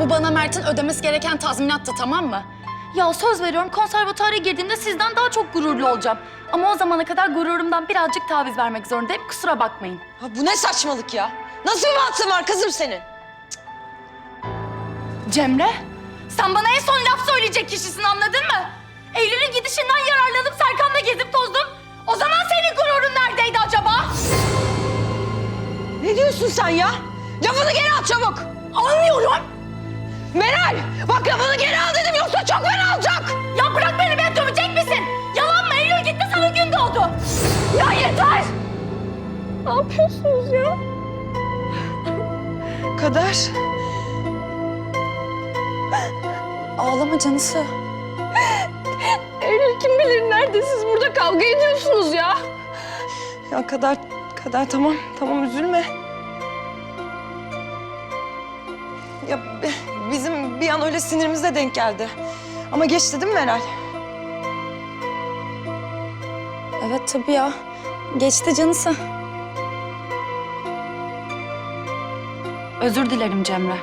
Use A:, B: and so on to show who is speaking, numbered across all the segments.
A: Bu bana Mert'in ödemesi gereken tazminattı, tamam mı?
B: Ya söz veriyorum konservatuara girdiğimde sizden daha çok gururlu olacağım. Ama o zamana kadar gururumdan birazcık taviz vermek zorundayım. Kusura bakmayın.
C: Ha, bu ne saçmalık ya? Nasıl bir mantığın var kızım senin?
B: Cemre, sen bana en son laf söyleyecek kişisin, anladın mı? Eylül'ün gidişinden yararlanıp Serkan'la gezip tozdum. O zaman senin gururun neredeydi acaba?
C: Ne diyorsun sen ya? Lafını geri al çabuk.
B: Almıyorum.
C: Meral, bak lafını geri al dedim yoksa çok fena olacak.
B: Ya bırak beni, beni dövecek misin? Yalan mı? Eylül gitti, sana gün doğdu. Ya yeter! Ne yapıyorsunuz ya?
C: Kader.
A: Ağlama canısı.
C: Eylül kim bilir nerede siz burada kavga ediyorsunuz ya. Ya Kader tamam üzülme. Ya bizim bir an öyle sinirimize denk geldi. Ama geçti değil mi Meral?
A: Evet tabii ya. Geçti canısı.
B: Özür dilerim Cemre.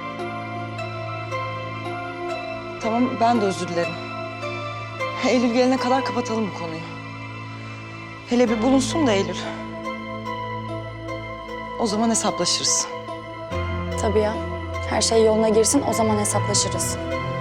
C: Tamam ben de özür dilerim. Eylül gelene kadar kapatalım bu konuyu. Hele bir bulunsun da Eylül. O zaman hesaplaşırız.
A: Tabii ya. Her şey yoluna girsin, o zaman hesaplaşırız.